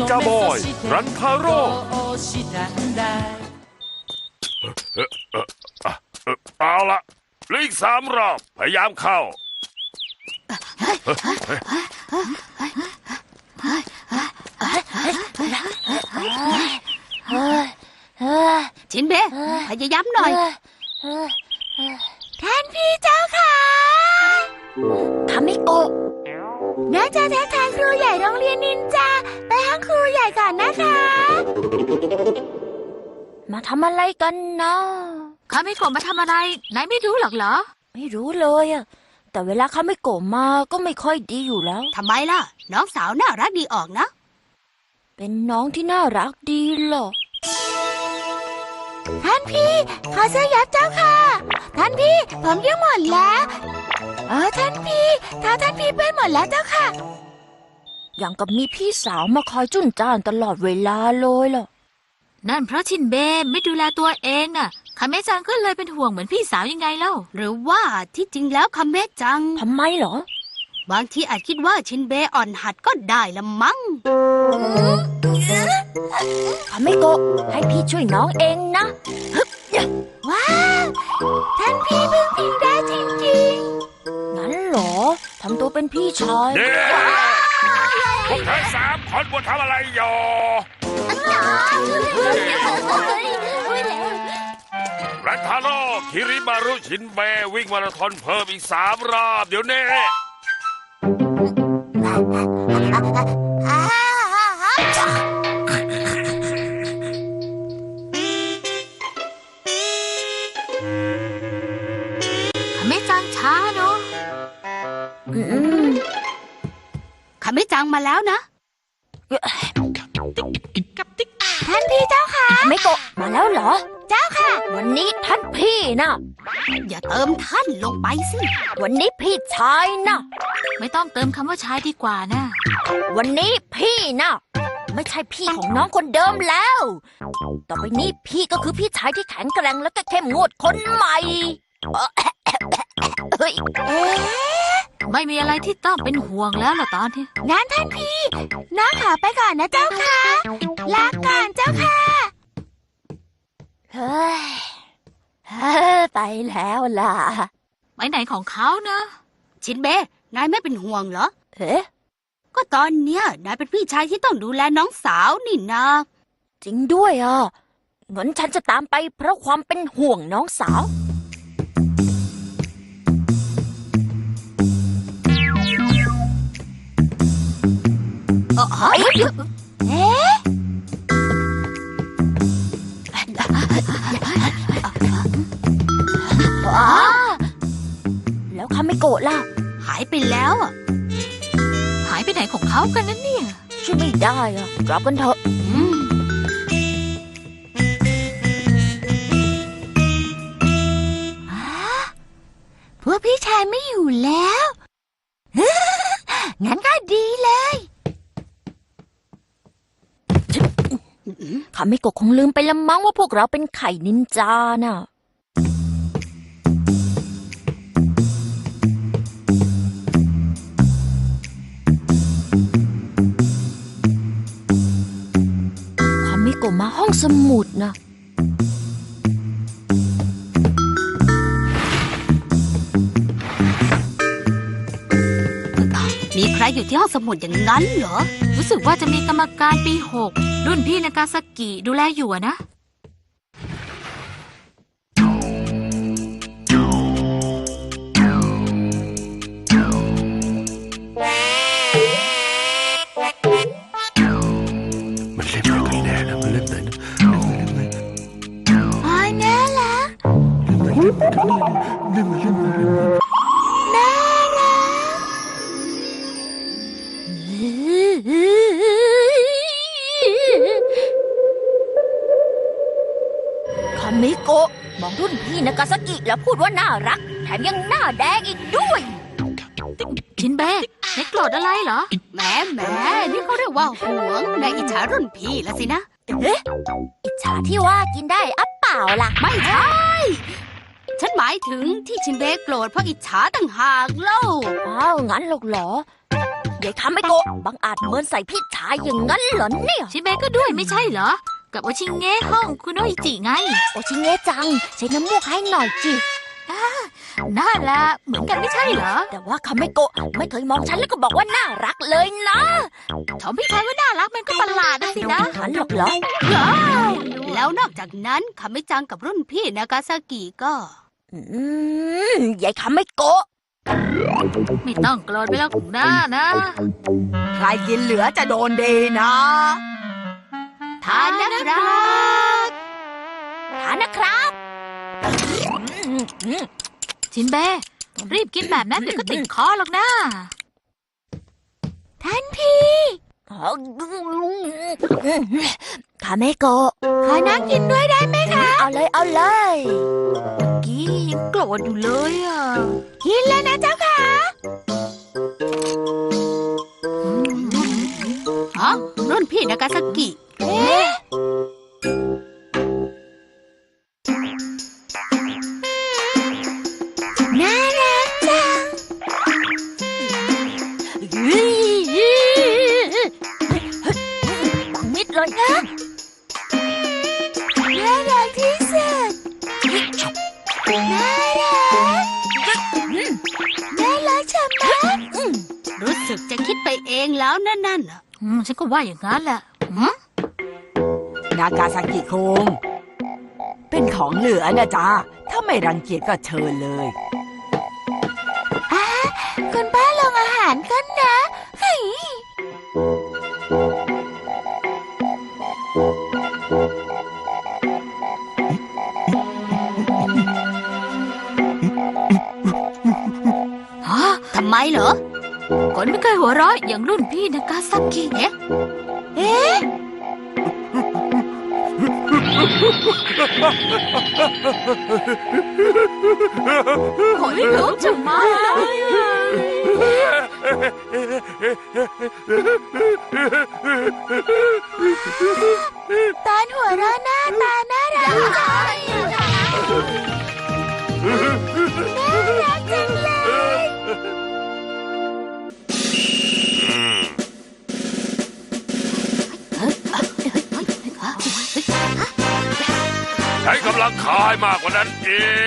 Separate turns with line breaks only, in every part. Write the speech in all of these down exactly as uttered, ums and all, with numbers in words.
กาบอยรันทาโร่เอาละเหลืออีกสามรอบพยายามเข้า
ชินเบะพยายามหน่อยท่านพี่เจ้าค่ะคามิโกะน่าจะทักทายครูใหญ่โรงเรียนนินจาไปห้องครูใหญ่ก่อนนะคะมาทำอะไรกันนะคามิโกะมาทำอะไรนายไม่รู้หรอกเหรอไม่รู้เลยอะแต่เวลาคามิโกะมาก็ไม่ค่อยดีอยู่แล้วทำไมล่ะน้องสาวน่ารักดีออกนะเป็นน้องที่น่ารักดีหรอท่านพี่ขอเสื้อยับเจ้าค่ะท่านพี่ผมยืมหมดแล้วเออท่านพี่เท้าท่านพี่เปื้อนหมดแล้วเจ้าค่ะอย่างกับมีพี่สาวมาคอยจุนจ้านตลอดเวลาเลยล่ะนั่นเพราะชินเบะไม่ดูแลตัวเองน่ะคาเมะจังก็เลยเป็นห่วงเหมือนพี่สาวยังไงเล่าหรือว่าที่จริงแล้วคาเมะจังทำไมเหรอบางทีอาจคิดว่าชินเบะอ่อนหัดก็ได้ละมั้งคาเมโกะให้พี่ช่วยน้องเองนะว้าวท่านพี่พึ่งพิงได้จริงๆงั้นเหรอทำตัวเป็นพี่ชาย
เย้พวกเธอสามคนบนทำอะไรอยู่รันทาโร่คิริมารุชินเบะวิ่งมาราธอนเพิ่มอีกสามรอบเดี๋ยวนี้คาเมะจังช้าเนาะคาเมะจังมาแล้วนะท่านพี่เจ้าค่ะคาเมโกะมาแล้วเหรอเจ้าค่ะวันนี้ท่านพี่นะอย่าเติมท่านลงไปสิวันนี้พี่ชายนะไม่ต้องเติมคำว่าชายดีกว่านะวันนี้พี่นะไม่ใช่พี่ของน้องคนเดิมแล้วต่อไปนี้พี่ก็คือพี่ชายที่แข็งแกร่งและก็เข้มงวดคนใหม่เฮ้ยไม่มีอะไรที่ต้องเป็นห่วงแล้วล่ะตอนนี้งั้นท่านพี่น้าขอไปก่อนนะเจ้าค่ะลาก่อนเจ้าค่ะเฮ้ยไปแล้วล่ะไปไหนของเขานะชินเบะนายไม่เป็นห่วงเหรอเอ๊ะก็ตอนเนี้ยนายเป็นพี่ชายที่ต้องดูแลน้องสาวนี่นะจริงด้วยอ่ะงั้นฉันจะตามไปเพราะความเป็นห่วงน้องสาวเอ๊ะแล้วคาเมโกะล่ะหายไปแล้วอ่ะหายไปไหนของเขากันนั่นเนี่ยช่วยไม่ได้อ่ะกลับกันเถอะพวกพี่ชายไม่อยู่แล้วงั้นก็ดีเลยคาเมโกะคงลืมไปละมั้งว่าพวกเราเป็นไข่นินจาน่ะคาเมโกะมาห้องสมุดนะมีใครอยู่ที่ห้องสมุดอย่างนั้นเหรอรู้สึกว่าจะมีกรรมการปีหกรุ่นพี่นากาซากิดูแลอยู่นะมันเล่นอะไรกันแน่นะมันเล่นไหนนะ
อ๋อแน่ละ
เล่นมาเล่นมาเล่นมา
คาเมโกะมองรุ่นพี่นากาซากิแล้วพูดว่าน่ารักแถมยังหน้าแดงอีกด้วยชินเบะไม่โกรธอะไรเหรอแหมแหมนี่เขาเรียกว่าหวงในอิจฉารุ่นพี่แล้วสินะเอ๊ะอิจฉาที่ว่ากินได้อัปเปล่าล่ะไม่ใช่ฉันหมายถึงที่ชินเบะโกรธเพราะอิจฉาต่างหากเล่าอ้าวงั้นหรอกเหรอยายคำไม่โกะบังอาจเมินใส่พี่ชายอย่างนั้นเหรอเนี่ย
ชิเบะก็ด้วยไม่ใช่เหรอ กับโอชิงเงะห้องคุณโนอิจิไง
โอชิเงะจังใช้น้ำมูกให้หน่อยจิ
น่าละเหมือนกันไม่ใช่เหรอ
แต่ว่าคำไม่โกะไม่เคยมองฉันแล้วก็บอกว่าน่ารักเลยนะ
ชมพี่ชายว่าน่ารักมันก็ประหลาดนะสินะ
หันหรอกเหรอ
แล้วนอกจากนั้นคามิจังกับรุ่นพี่นากาซากิก็
อืมยายคำไม่โกะ
ไม่ต้องโกรธไปแล้วหน้านะ
ใครกินเหลือจะโดนดีนะ
ทานนะครับ
ทานนะครับ
ชินเบะรีบกินแบบนั้นเดี๋ยวก็ติดคอหรอกนะ
ท่านพี่คาเมโกะขอนั่งกินด้วยได้ไหมคะ เอาเลยเอาเลย
กี้ยังโกรธอยู่เลยอ่ะ
กินแล้วนะเจ้าค่ะ
ฮะรุ่นพี่นากาซากิ
เอ๊ะน่ารักจังมิดเลยนะน่ารักที่สุดน่ารักน่ารักชะมัด
รู้สึกจะคิดไปเองแล้วนั่นนั่นน่ะ
อืมฉันก็ว่าอย่างนั้นแหละหืม
นากาซากิคุงเป็นของเหลือนะจ๊ะ ถ้าไม่รังเกียจก็เชิญเลย
คุณป้าลงอาหารกันนะเฮ้ย
ฮะ
ทำไมเหรอ
คนไม่เคยหัวเราะอย่างรุ่นพี่นากาซากิเอ๊ะ
เอ๊ะ
ขนลุกจังมาเลยอะ
ตอนหัวเราะหน้าตาน่ารักจังน่ารักจังเลย
ใช้กำลังคายมากกว่านั้นอีก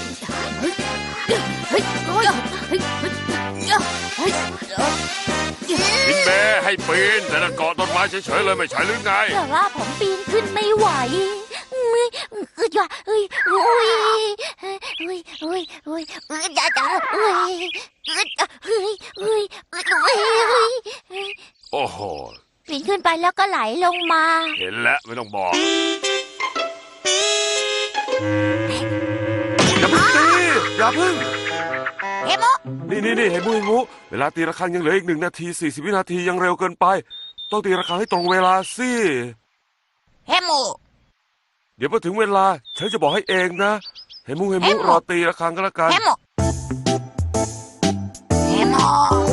เฮ้ยโอ้ยเฮ้ยเฮ้ยเฮ้ย
พินเบให้ปีนแต่ละเกาะต้นไม้เฉยๆเลยไม่ใช่หรือไง
แต่ว่าผมปีนขึ้นไม่ไหวเอ้ยเอ้ยเอ้ยเอ้ยเอ้ยเอ้ยเอ้ยเอ้ยเอ้ยจ้าจ้าเอ้ยเอ้ยเอ้ยเอ้ยเอ้ยเอ้ย
โอ้โห
ปีนขึ้นไปแล้วก็ไหลลงมา
เห็นแล้วไม่ต้องบอก อย่าเพึ่งตีอย่าเพึ่ง
เฮ้โม
นี่นี่นี่เห็นมุ้ยมุเวลาตีระฆังยังเหลืออีกหนึ่งนาทีสี่สิบวินาทียังเร็วเกินไป ต้องตีระฆังให้ตรงเวลาสิ
เฮ้โม
เดี๋ยวพอถึงเวลาฉันจะบอกให้เองนะ เห็นมุ้เห็นมุรอตีระฆังก็แล้วกัน
เฮ้โมเฮ้โม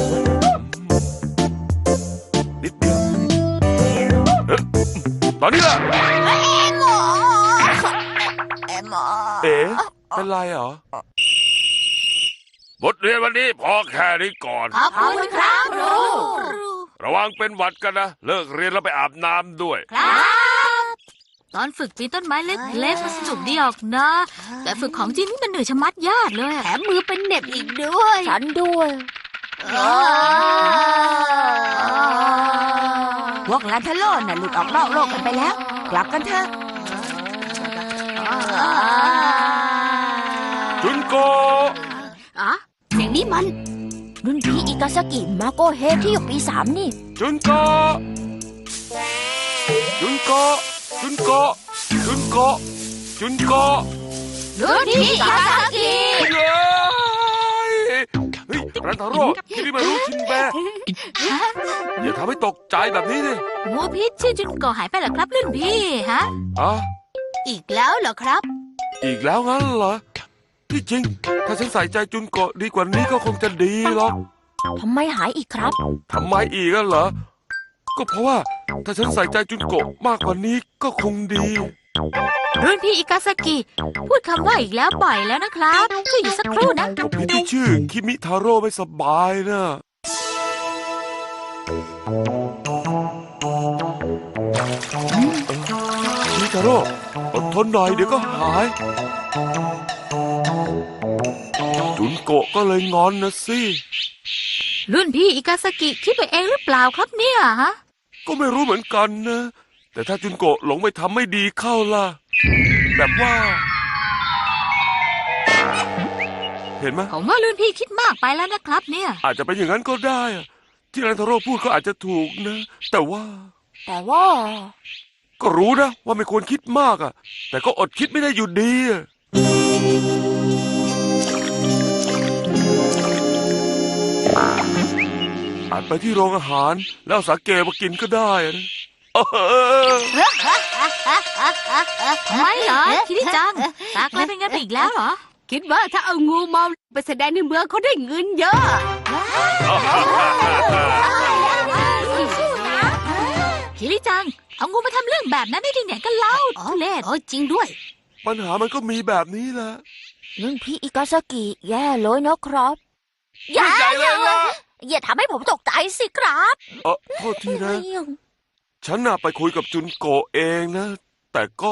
นิดเดียวเอ๊ะตอนนี้ล่ะ
เฮ้โมเฮ้โม
เอ๋เป็นไรเหรอ บทเรียนวันนี้พอแค่นี้ก่อน
ขอบคุณครับครู
ระวังเป็นหวัดกันนะ เลิกเรียนแล้วไปอาบน้ำด้วย
ครับ
ตอนฝึกปีนต้นไม้เล็กๆมันสนุกดีออกนะ แต่ฝึกของจริงนี่มันเหนื่อยชะมัดยากเลย
แถ
อะ
มมือเป็นเหน็บอีกด้วย
ฉันด้วย
พวกลันทะโลนน่ะหลุดออกนอกโลกกันไปแล้ว กลับกันเถอะ
จุนโก
อะเสียงนี้มัน
รุ่นพี่อิกาซากิมาโกเฮที่อยู่ปีสามนี่
จุนโก จุนโก จุนโก จุนโก จุนโก
รุ่นพี่กาซากิ
เฮ้ยเฮ้ยรันทาโร่ที่นี่มารู้ชินแบะอย่าทำให้ตกใจแบบนี้ดิ
หมูพิษชื่อจุนโกหายไปเหรอครับรุ่นพี่ฮะ
อ่ะ
อีกแล้วเหรอครับ
อีกแล้วงั้นเหรอ ที่จริง ถ้าฉันใส่ใจจุนโกะดีกว่านี้ก็คงจะดีหรอก
ทำไมหายอีกครับ
ทำไมอีกอะเหรอ ก็เพราะว่าถ้าฉันใส่ใจจุนโกะมากกว่านี้ก็คงดี
รุ่นพี่อิกาซากิพูดคำว่าอีกแล้วบ่อยแล้วนะครับช่วยอยู่สักครู่นะ
ก็พี่ที่ชื่อคิมิทาโร่ไม่สบายนะชิทาโร่อดทนหน่อยเดี๋ยวก็หายจุนโกะก็เลยงอนนะสิ
รุ่นพี่อิกาซากิคิดไปเองหรือเปล่าครับเนี่ยฮะ
ก็ไม่รู้เหมือนกันนะ แต่ถ้าจุนโกะหลงไปทำไม่ดีเข้าล่ะ แบบว่า เห็นไหม
ผมว่ารุ่นพี่คิดมากไปแล้วนะครับเนี่ย
อาจจะเป็นอย่างนั้นก็ได้อะที่รันทาโร่พูดก็อาจจะถูกนะ แต่ว่า
แต่ว่า
ก็รู้นะว่าไม่ควรคิดมากอ่ะ แต่ก็อดคิดไม่ได้อยู่ดีอะอาจไปที่โรงอาหารแล้วเอาสาเกมากินก็ได้นะเออ
ทำไมเหรอคิริจังตากลายเป็นงั้นไปอีกแล้วเหรอ
คิดว่าถ้าเอางูเมาไปแสดงในเมืองเขาได้เงินเยอะ
คิริจังเอางูมาทำเรื่องแบบนั้นได้ที่ไหนกันเล่า
อ๋อ
ทุเรศ
เออจริงด้วย
ปัญหามันก็มีแบบนี้แหละ
รุ่นพี่อิกาซากิแย่เลยนะครับ
ใหญ่เลยล่ะ
อย่าทำให้ผมตกใจสิครับ
เออโทษทีนะ ฉันน่ะไปคุยกับจุนโกะเองนะ แต่ก็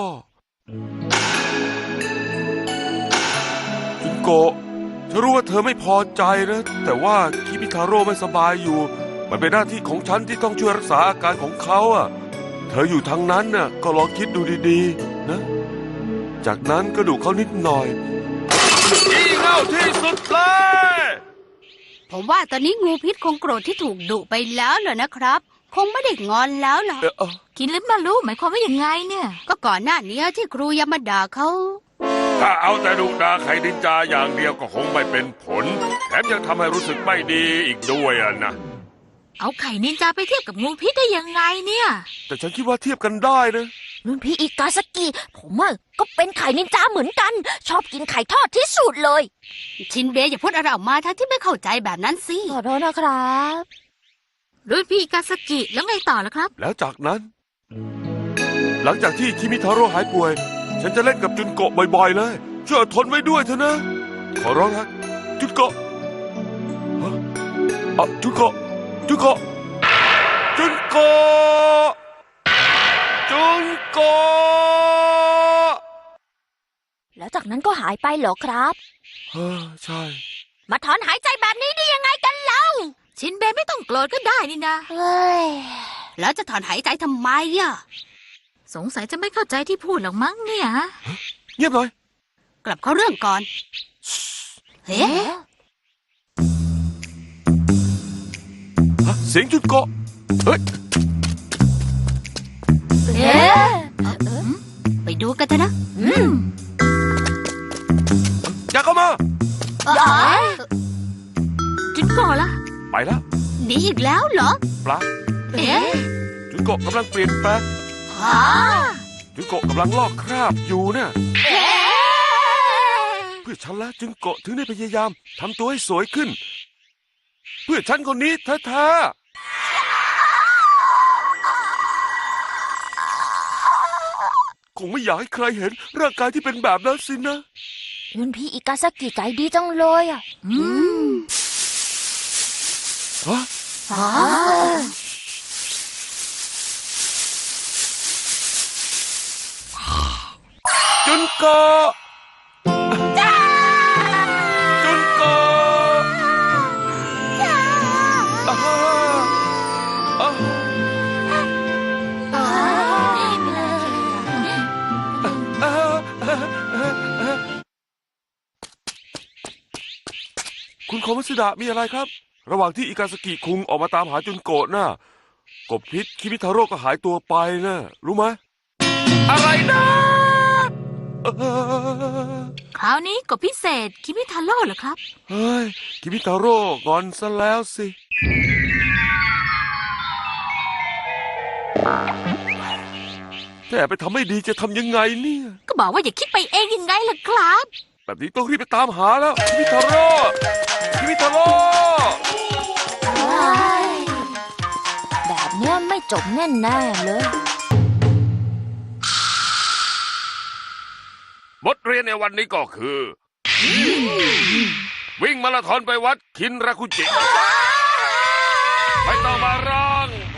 จุนโกะฉันรู้ว่าเธอไม่พอใจนะ แต่ว่าคิมิทาโร่ไม่สบายอยู่ มันเป็นหน้าที่ของฉันที่ต้องช่วยรักษาอาการของเขาอ่ะ เธออยู่ทางนั้นน่ะก็ลองคิดดูดีๆนะ จากนั้นก็ดูเขานิดหน่อยอีเง่าที่สุดเลย
ผมว่าตอนนี้งูพิษคงโกรธที่ถูกดุไปแล้วเหรอนะครับ คงไม่ได้งอนแล้วหรอก
เอ่อเอ่อ
คิดลึกมารู้หมายความว่าอย่างไงเนี่ย
ก็ก่อนหน้านี้ที่ครูยามาด่าเขา
ถ้าเอาแต่ดุดาไข่ดินจาอย่างเดียวก็คงไม่เป็นผล แถมยังทำให้รู้สึกไม่ดีอีกด้วยอ่ะนะ
เอาไข่นินจาไปเทียบกับงูพิษได้ยังไงเนี่ย
แต่ฉันคิดว่าเทียบกันได้นะ
รุ่นพี่อิกาซากิ ผมอะก็เป็นไข่นินจาเหมือนกัน ชอบกินไข่ทอดที่สุดเลย
ชินเบย์อย่าพูดอะไรออกมาทั้งที่ไม่เข้าใจแบบนั้นสิ
ขอโทษนะครับ
รุ่นพี่อิกาซากิแล้วไงต่อล่ะครับ
แล้วจากนั้น หลังจากที่คิมิทาโร่หายป่วย ฉันจะเล่นกับจุนโกะบ่อยๆเลยช่วยอดทนไว้ด้วยเถอะนะ ขอร้องนะจุนโกะฮะอ่ะจุนโกะจุนโกะจุนโกะจุนโกะ
แล้วจากนั้นก็หายไปเหรอครับ
เฮ้อใช่
มาถอนหายใจแบบนี้ได้ยังไงกันเล่า
ชินเบไม่ต้องโกรธก็ได้นี่นะ
เฮ้ย
แล้วจะถอนหายใจทำไมอ่ะ
สงสัยจะไม่เข้าใจที่พูดหรอกมั้งเนี่ยฮะ
เงียบหน่อย
กลับเข้าเรื่องก่อน เฮ้
ฮะเสียงจุนโกะเฮ้ย
เอ๊ะ
ไปดูกันเถอะนะ
อืม
อย่าเข้ามา
จุนโกะล่ะ
ไปแล้ว
หนีอีกแล้วเหรอ
ปลา
เอ๊ะ
จุนโกะกำลังเปลี่ยนแปลง
ฮะ
จุนโกะกำลังลอกคราบอยู่เนี่ยเพื่อฉันแล้วจุนโกะถึงได้พยายามทำตัวให้สวยขึ้น เพื่อฉันคนนี้แท้ๆคงไม่อยากให้ใครเห็นร่างกายที่เป็นแบบนั้นสินะ
รุ่นพี่อิกาซากิใจดีจังเลยอ่ะ
อืม
ฮะ
อ๋อ
จุนโกะจุนโกะอ่าอ่า
อ๋อ
อ่าคุณโคมัสดะมีอะไรครับ ระหว่างที่อิกาสกิคุงออกมาตามหาจุนโกะน่ะกบพิษคิมิทาโร่ก็หายตัวไปนะรู้ไหมอะไรนะเอ่อ
คราวนี้กบพิเศษคิมิทาโร่เหรอครับ
เฮ้ยคิมิทาโร่งอนซะแล้วสิแต่ไปทำไม่ดีจะทำยังไงเนี่ย
ก็บอกว่าอย่าคิดไปเองยังไงล่ะครับ
แบบนี้ต้องรีบไปตามหาแล้วคิมิทาโร่คิมิทาโร่
แบบเนี้ยไม่จบแน่ๆเลย
บทเรียนในวันนี้ก็คือ วิ่งมาราธอนไปวัดคินราคุจิไม่ต้องมาร้อง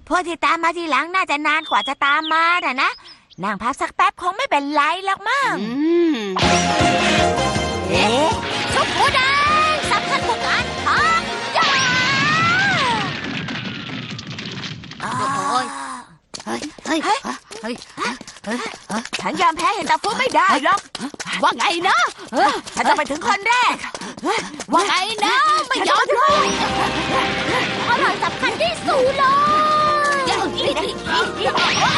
พวกที่ตามมาทีหลังน่าจะนานกว่าจะตามมาน่ะนะนั่งพักสักแป๊บคงไม่เป็นไรหรอกมั้ง
อืม
เอ๊ะ
ชุบหัวแดงสำคัญกว่าการพักยา
โอ้
โอ้
ย
ย เฮ้ย เฮ้ย เฮ้ย เฮ้ย
ฉันยอมแพ้เห็นตาฟูไม่ได้หรอก
ว่าไงนะ
ฉันจะไปถึงคนแรก
ว่าไงนะ ไม่ยอมเลยอร่อยสำคัญที่สุดเลยเดี๋ยวนี่นะ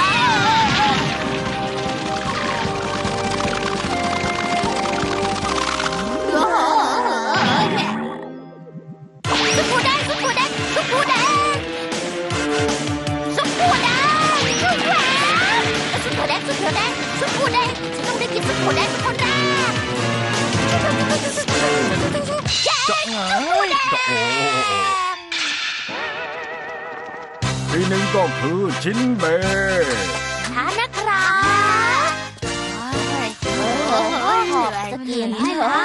ซุปปูแดงซุปปูแดงซุปปูแดงซุปปูแดงซุปปูแดงซุปปูแดงซุปปูแดงซุปปูแดงฉันต้องได้กินซุปปูแดงเป็นคนแรก
จะเอ้ยจะโอ้ทีหนึ่งก็คือชินเบ
ทานนะครับโอ้ยหอบจะเกลียนใช่ไหม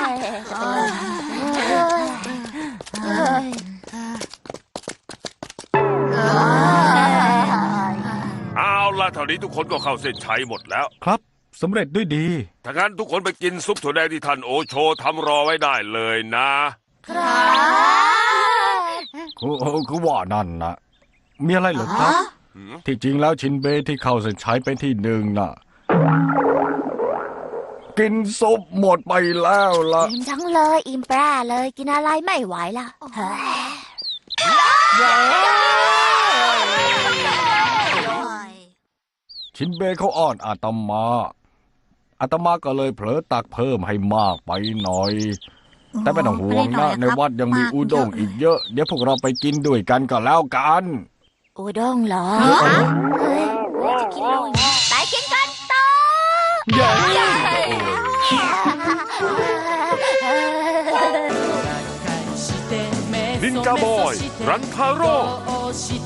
เอาล่ะเท่านี้ทุกคนก็เข้าเส้นชัยหมดแล้ว
ครับสำเร็จด้วยดี
ถ้างั้นทุกคนไปกินซุปถั่วแดงที่ท่านโอโชทำรอไว้ได้เลยนะ
คือคือว่านั่นนะมีอะไรเหรอครับ ที่จริงแล้วชินเบที่เข้าเส้นชัยเป็นที่หนึ่งน่ะ กินซุปหมดไปแล้วล่ะ
อิ่มทั้งเลยอิ่มปลาเลยกินอะไรไม่ไหวละเฮ้ย
ชินเบเขาอ้อนอาตมา อาตมาก็เลยเผลอตักเพิ่มให้มากไปหน่อย แต่ไม่ต้องห่วงนะในวัดยังมีอุด้งอีกเยอะ เดี๋ยวพวกเราไปกินด้วยกันก็แล้วกัน
อุด้งเหรอเฮ้ยจะกินเลย
ไปกินกันต่อ
เย้
นินจาบอย รันทาโร่